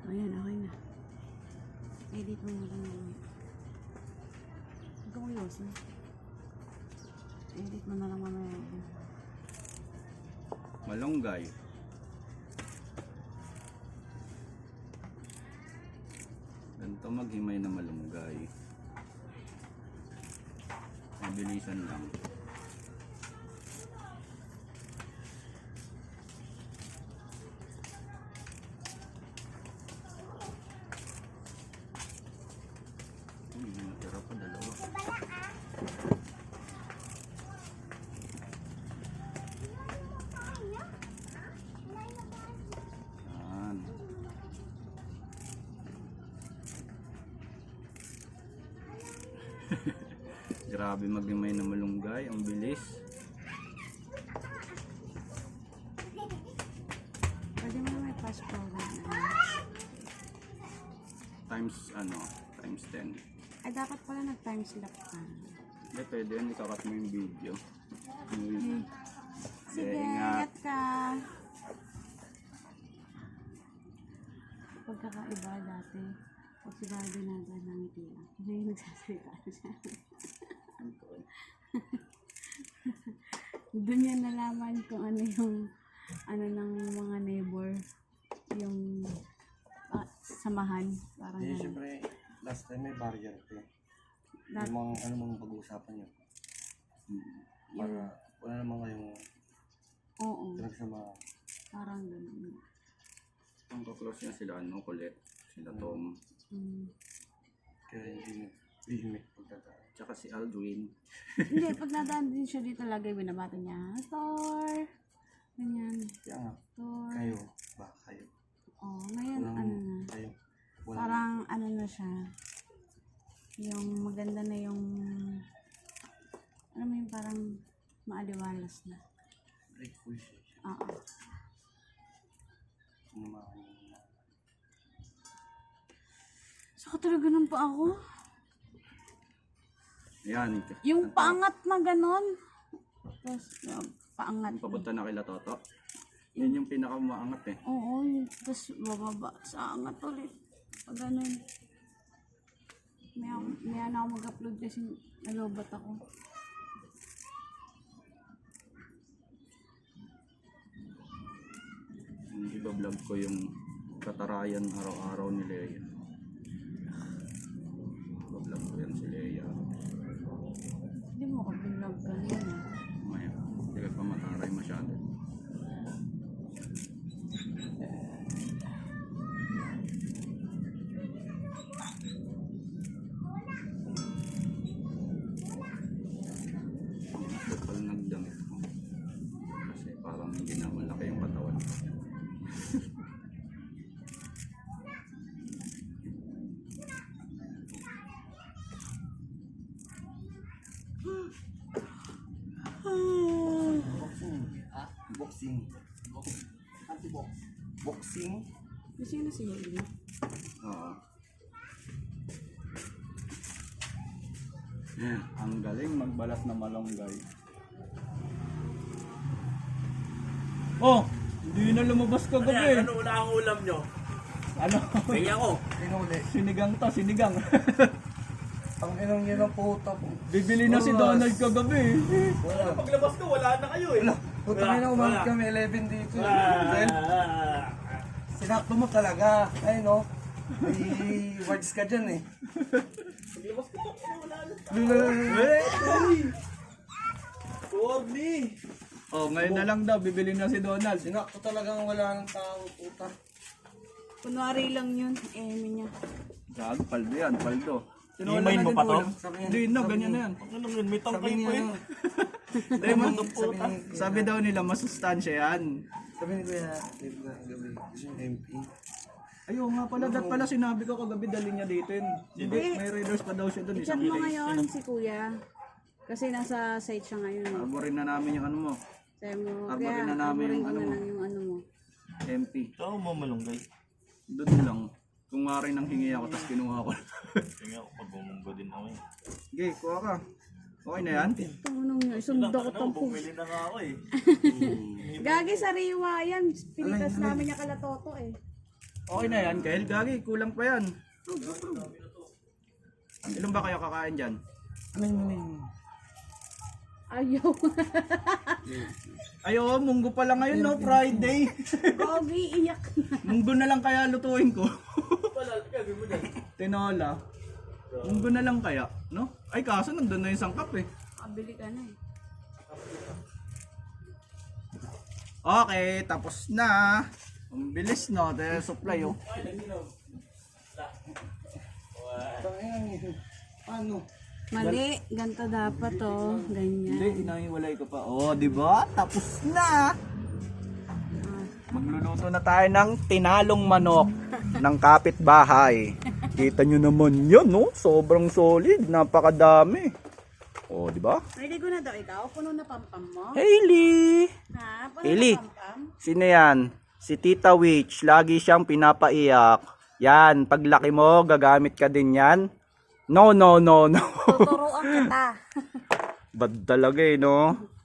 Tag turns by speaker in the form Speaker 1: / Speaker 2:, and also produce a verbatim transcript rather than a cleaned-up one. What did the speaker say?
Speaker 1: Ayan, okay na. Edit mo na lang naman. Huwag ka kuyosin. Edit mo na lang mamaya.
Speaker 2: Malunggay. Ganito maghimay na malunggay. Mabilisan lang. Uy, natira pa dalawa. Yan. Grabe maghimay na malunggay, ang bilis.
Speaker 1: Pwede mo na may fast forward na.
Speaker 2: Times ano, times ten.
Speaker 1: Ay, dapat pala nag-time lapse ka.
Speaker 2: Hindi, pwede yun, ikakat mo yung video.
Speaker 1: Okay. Sige,
Speaker 2: ingat.
Speaker 1: ingat ka. Pagkakaiba dati, pag si Barbie nandun ng ngiti lang. Hindi yung nagsasalita siya. Doon yan nalaman kung ano yung ano ng mga neighbor, yung ah, samahan. Parang
Speaker 3: Hindi,
Speaker 1: ganun.
Speaker 3: syempre, last time may barrier ko.
Speaker 1: Dat-
Speaker 3: Yung mga, ano mga pag-uusapan nyo. Para, wala naman kayong
Speaker 1: Oo,
Speaker 3: pinagsama.
Speaker 1: parang ganun.
Speaker 2: Ang kaklose niya sila, ano, Colette, sila Tom,
Speaker 1: Mm.
Speaker 3: Kaya hindi nag-limit pagdadaan.
Speaker 2: tsaka si Aldwin.
Speaker 1: Hindi, pag nadaan din siya dito lagi, binabata niya, Thor! Ganyan,
Speaker 3: Kaya nga,
Speaker 1: Thor.
Speaker 3: kayo, ba, kayo.
Speaker 1: Oh, ngayon,
Speaker 3: Walang,
Speaker 1: ano na,
Speaker 3: kayo. Walang,
Speaker 1: parang ano na siya, yung maganda na yung, alam mo yung parang maaliwalas na.
Speaker 3: grateful siya.
Speaker 1: Oo.
Speaker 3: Sinamahan niya.
Speaker 1: Saka talaga nang pa ako.
Speaker 2: Yan.
Speaker 1: Yung paangat na ganon. Tapos, yung paangat.
Speaker 2: Ang papunta na kila Toto. Yan yung pinakamaangat eh.
Speaker 1: Oo, yun. Tapos bababa sa angat ulit. Pag ganon. May, may ano ako mag-upload kasi nalobat ako.
Speaker 2: Yung iba vlog ko yung katarayan araw-araw ni Leia. Iba vlog ko yan si Leia.
Speaker 1: Hindi mo ka vlog kanina.
Speaker 2: Maya, hindi ka pa mataray masyado. Kapal nagdamit ko. Kasi parang hindi na malaki yung katawan.
Speaker 3: Boxing. Ah, boxing. Anti-box. Boxing.
Speaker 1: Sino si Haley?
Speaker 2: Oo. Yan, ang galing magbalat na malunggay. Oh, hindi na lumabas ka
Speaker 4: Ano yan?
Speaker 2: gabi.
Speaker 4: Ano wala ang ulam nyo?
Speaker 2: Ano?
Speaker 4: Kaya ako.
Speaker 3: Pinuli.
Speaker 2: Sinigang to, sinigang.
Speaker 3: Ang inong yun ang puta po.
Speaker 2: Bibili na si Donald kagabi.
Speaker 3: Wala.
Speaker 4: Paglabas ko, wala na kayo eh.
Speaker 3: Puta
Speaker 4: Wala,
Speaker 3: na umalit
Speaker 4: wala.
Speaker 3: kami eleven dito.
Speaker 4: Ah,
Speaker 3: Well,
Speaker 4: ah,
Speaker 3: sinakto mo talaga. Ay no. May words ka dyan eh.
Speaker 4: Paglabas ko, wala na.
Speaker 3: Hey!
Speaker 4: Corny.
Speaker 2: Oh, ngayon na lang daw, bibili na si Donald.
Speaker 3: Sinakto talagang wala ng tao, puta.
Speaker 1: Kunwari lang yun. Eh, niya.
Speaker 2: Gag, paldo yan, paldo.
Speaker 4: Imayin mo pa to?
Speaker 3: Sabi niya-
Speaker 2: Hindi na,
Speaker 3: sabi
Speaker 2: ganyan na
Speaker 3: niya-
Speaker 2: yan.
Speaker 4: Ano yun, may
Speaker 3: Sabi
Speaker 4: tangkay
Speaker 3: niya,
Speaker 4: po eh.
Speaker 3: ano,
Speaker 2: Hindi, man,
Speaker 3: sabi niya,
Speaker 2: sabi daw nila, masustansya yan.
Speaker 3: sabi ni Kuya, Dave na gabi, gusto niya M P.
Speaker 2: Ayaw nga pala, dat pala sinabi ko kagabi, dali niya dito yun. Hindi, may raiders pa daw siya doon.
Speaker 1: I-chat mo ngayon si Kuya. Kasi nasa site siya ngayon. Eh.
Speaker 2: Arborin na namin yung ano mo,
Speaker 1: Sabi mo,
Speaker 2: Arborin
Speaker 1: kaya
Speaker 2: na namin
Speaker 1: arborin
Speaker 2: yung
Speaker 1: ko
Speaker 2: ano
Speaker 1: na
Speaker 2: mo.
Speaker 1: lang yung ano mo.
Speaker 2: M P.
Speaker 4: Ito mo malunggay.
Speaker 2: Doon lang. Kung nga rin nang hingi ako, tapos kinuha ko.
Speaker 4: Kaya ako, pag-umunggo din ako eh.
Speaker 2: Okay, kuha ka. Okay na yan?
Speaker 1: Tanong niya, isunda ko
Speaker 4: Ano,
Speaker 1: tampo.
Speaker 4: bumili na nga ako eh.
Speaker 1: Gagi sa riwa yan. Pinitas namin niya kala Toto eh.
Speaker 2: Okay na yan, Kyle. Gagi, kulang pa yan. Ilan ba kayo kakain dyan?
Speaker 1: Ayaw.
Speaker 2: Ayo, munggo pa lang ngayon, no? Friday.
Speaker 1: Gogi, iyak na.
Speaker 2: Munggo na lang kaya lutuin ko. Tinola. Munggo na lang kaya, no? Ay, kaso nandun na yung sangkap eh.
Speaker 1: Kabili ka na eh.
Speaker 2: Okay, tapos na. Ang bilis, no? Dahil supply, oh.
Speaker 3: Ano?
Speaker 1: Mali, ganito dapat oh. Ganyan.
Speaker 2: Hindi, inahiwalay ko pa. Oh, di ba? Tapos na. Magluluto na tayo ng tinalong manok ng kapitbahay. Kita nyo naman yan, no? Sobrang solid. Napakadami. Oh, di ba?
Speaker 1: Ready ko na daw ikaw. Puno na pampam mo.
Speaker 2: Hailey!
Speaker 1: Ha? Puno
Speaker 2: Hailey!
Speaker 1: na pampam?
Speaker 2: Sino yan? Si Tita Witch. Lagi siyang pinapaiyak. Yan, paglaki mo, gagamit ka din yan. No, no, no, no.
Speaker 1: Tuturuan kita.
Speaker 2: Bad talaga eh, no?